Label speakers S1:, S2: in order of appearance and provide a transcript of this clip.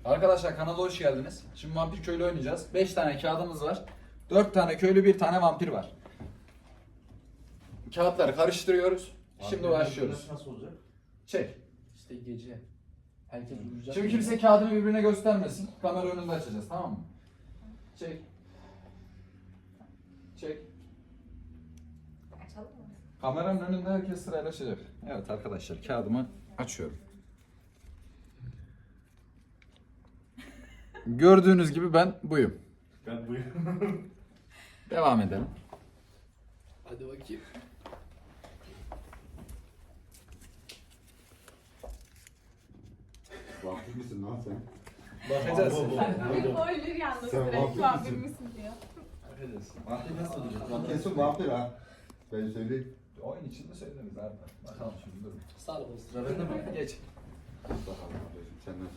S1: Arkadaşlar kanala hoş geldiniz. Şimdi vampir köylü oynayacağız. 5 tane kağıdımız var. 4 tane köylü, 1 tane vampir var. Kağıtları karıştırıyoruz. Şimdi başlıyoruz.
S2: Nasıl olacak?
S1: Çek.
S3: İşte gece. Herkes uyuyacak.
S1: Şimdi kimse kağıdını birbirine göstermesin. Kamera önünde açacağız, tamam mı? Çek. Çek.
S4: Açalım mı?
S1: Kameranın önünde herkes sırayla açacak. Evet arkadaşlar, kağıdımı açıyorum. Gördüğünüz gibi ben buyum.
S2: Ben buyum.
S1: Devam edelim.
S3: Hadi bakayım.
S5: Vampir misin lan sen?
S1: Bakacağız.
S4: Bir boyları yalnız
S5: Sen
S4: direkt
S5: vampir
S4: vampir
S5: misin?
S4: misin diyor.
S1: Bakacağız.
S3: Vampir nasıl olacak?
S5: Kesin vampir ha. Ben söyleyeyim.
S1: Oyun içinde söyleriz abi. Bakalım şimdi durun.
S3: Sağ ol. Sıra bende mi?
S1: Geç.
S5: Bakalım kardeşim sen nasıl